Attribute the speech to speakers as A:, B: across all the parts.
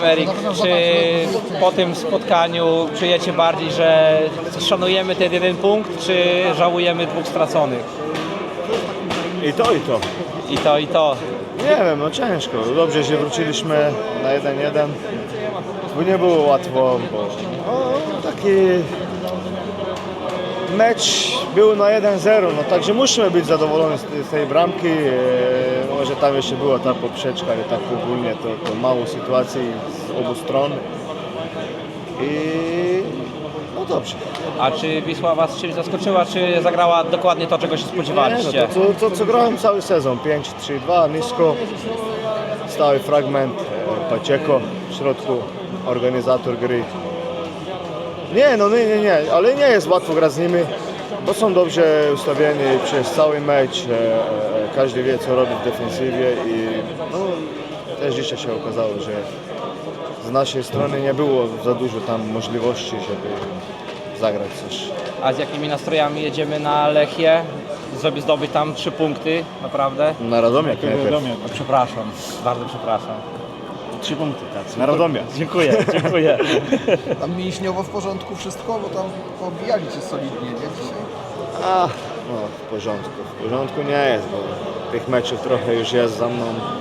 A: Eryk, czy po tym spotkaniu czujecie bardziej, że szanujemy ten jeden punkt, czy żałujemy dwóch straconych?
B: I to, i to.
A: I to, i to.
B: Nie wiem, no ciężko. Dobrze, że wróciliśmy na 1-1, bo nie było łatwo, bo taki mecz był na 1-0, no także musimy być zadowoleni z tej bramki. Może tam jeszcze była ta poprzeczka, ale tak ogólnie to mało sytuacji z obu stron. I no dobrze.
A: A czy Wisła Was czymś zaskoczyła, czy zagrała dokładnie to, czego się spodziewaliście?
B: Nie, no to co grałem cały sezon, 5-3-2, nisko, stały fragment, Pacheco w środku, organizator gry. Nie, ale nie jest łatwo grać z nimi, bo są dobrze ustawieni przez cały mecz, każdy wie co robi w defensywie i no, też dzisiaj się okazało, że z naszej strony nie było za dużo tam możliwości, żeby zagrać coś.
A: A z jakimi nastrojami jedziemy na Lechię, żeby zdobyć tam 3 punkty, naprawdę?
B: Na Radomiak najpierw.
A: Przepraszam, bardzo przepraszam.
B: 3 punkty, tak. Na Radomiak.
A: Dziękuję, dziękuję.
C: Tam mięśniowo w porządku wszystko, bo tam pobijali cię solidnie, nie dzisiaj?
B: No w porządku. W porządku nie jest, bo tych meczów trochę już jest za mną.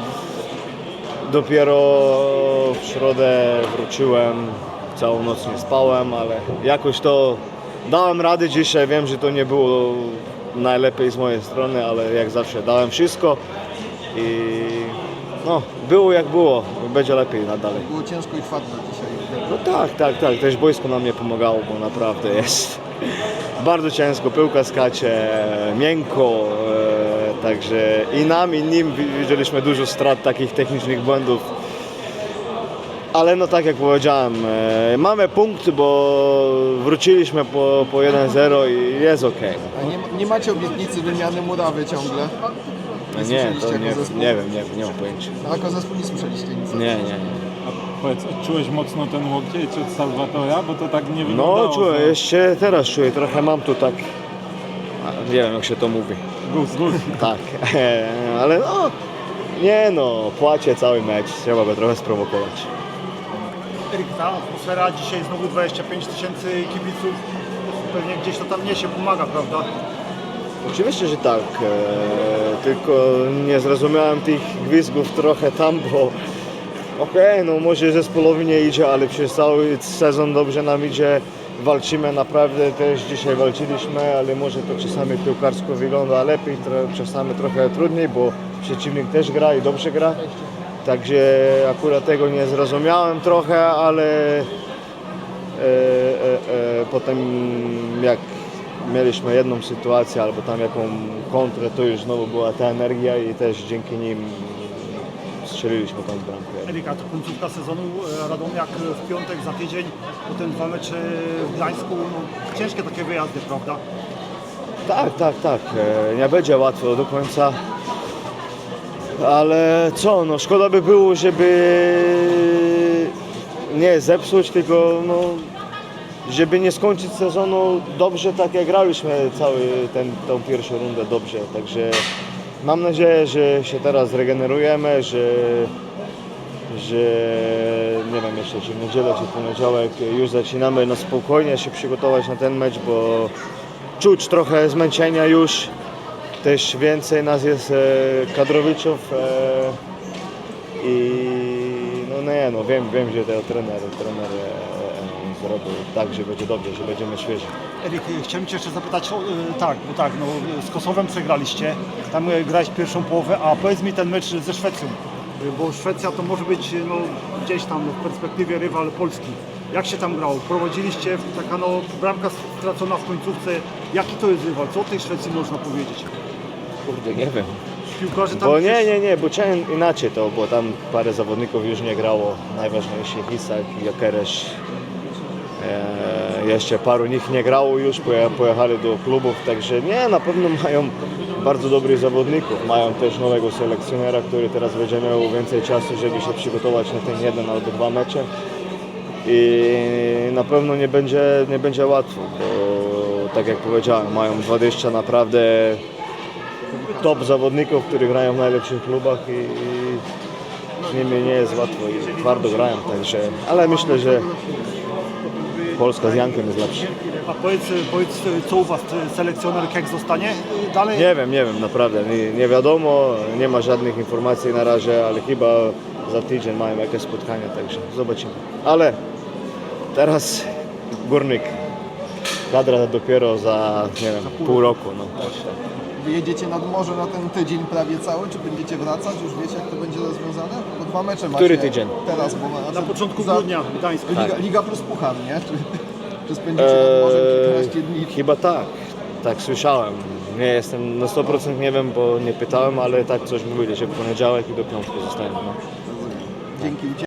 B: Dopiero w środę wróciłem, całą noc nie spałem, ale jakoś to dałem radę dzisiaj. Wiem, że to nie było najlepiej z mojej strony, ale jak zawsze dałem wszystko i no, było jak było, będzie lepiej nadal.
C: Było ciężko i chwatno dzisiaj.
B: No tak, też boisko nam nie pomagało, bo naprawdę jest bardzo ciężko, piłka skacze, miękko, także i nam, i nim widzieliśmy dużo strat, takich technicznych błędów. Ale no tak jak powiedziałem, mamy punkt, bo wróciliśmy po 1-0 i jest ok.
C: A nie macie obietnicy wymiany murawy ciągle?
B: Nie,
C: słyszeliście
B: to
C: jako zespół?
B: nie mam pojęcia.
C: A jako zespół nie słyszeliście nic?
B: Nie.
D: Powiedz, odczułeś mocno ten łokieć od Salwatora, bo to tak nie wyglądało.
B: No czuję, jeszcze teraz czuję, trochę mam tu tak, nie wiem jak się to mówi.
D: Guz.
B: Tak, ale no, płacie cały mecz, trzeba go trochę sprowokować.
E: Eryk, ta atmosfera dzisiaj znowu 25 000 kibiców, pewnie gdzieś to tam niesie, pomaga, prawda?
B: Oczywiście, że tak, tylko nie zrozumiałem tych gwizdków trochę tam, bo no może zespołowi nie idzie, ale przez cały sezon dobrze nam idzie, walczymy naprawdę, też dzisiaj walczyliśmy, ale może to czasami piłkarsko wygląda lepiej, czasami trochę trudniej, bo przeciwnik też gra i dobrze gra. Także akurat tego nie zrozumiałem trochę, ale potem jak mieliśmy jedną sytuację albo tam jaką kontrę, to już znowu była ta energia i też dzięki nim strzeliliśmy tą bramkę.
E: Eryk, a to końcówka sezonu, Radomiak w piątek za tydzień, potem 2 mecze w Gdańsku, no, ciężkie takie wyjazdy, prawda?
B: Tak, nie będzie łatwo do końca. Ale co, no szkoda by było, żeby nie zepsuć, tylko no, żeby nie skończyć sezonu dobrze, tak jak graliśmy tą pierwszą rundę dobrze. Także mam nadzieję, że się teraz regenerujemy, że nie wiem jeszcze czy w niedzielę, czy w poniedziałek już zaczynamy na spokojnie się przygotować na ten mecz, bo czuć trochę zmęczenia już. Też więcej nas jest kadrowiczów i wiem, że ten trener zrobił tak, że będzie dobrze, że będziemy świeżi.
E: Eryk, chciałem Cię jeszcze zapytać, z Kosowem przegraliście, tam grałeś pierwszą połowę, a powiedz mi ten mecz ze Szwecją, bo Szwecja to może być gdzieś tam w perspektywie rywal Polski. Jak się tam grało? Prowadziliście, taka bramka stracona w końcówce. Jaki to jest rywal? Co o tej Szwecji można powiedzieć?
B: Kurde, nie wiem.
E: Piłkarze tam...
B: Bo bo chciałem inaczej to, bo tam parę zawodników już nie grało. Najważniejszy Isak, Jokeresz. Jeszcze paru nich nie grało już, pojechali do klubów, także na pewno mają bardzo dobrych zawodników. Mają też nowego selekcjonera, który teraz będzie miał więcej czasu, żeby się przygotować na ten 1 albo 2 mecze. I na pewno nie będzie łatwo, bo tak jak powiedziałem, mają 20 naprawdę top zawodników, którzy grają w najlepszych klubach i z nimi nie jest łatwo i twardo grają, także, ale myślę, że Polska z Jankiem jest lepsza.
E: A powiedz co u Was, selekcjoner jak zostanie dalej?
B: Nie wiem, naprawdę, nie wiadomo, nie ma żadnych informacji na razie, ale chyba za tydzień mają jakieś spotkania, także zobaczymy. Ale teraz Górnik, kadra dopiero za, nie wiem, pół roku. No.
C: Wyjedziecie nad morze na ten tydzień prawie cały, czy będziecie wracać? Już wiecie, jak to będzie rozwiązane? Bo 2 mecze macie.
B: Który tydzień?
C: Teraz, bo
E: Na początku grudnia w Gdańsku.
C: Liga plus puchar, nie? Czy spędzicie nad morzem kilkanaście dni?
B: Chyba tak słyszałem. Nie jestem na 100% nie wiem, bo nie pytałem, ale tak coś mówili, że w poniedziałek i do piątku zostanie. No.
C: Dzięki.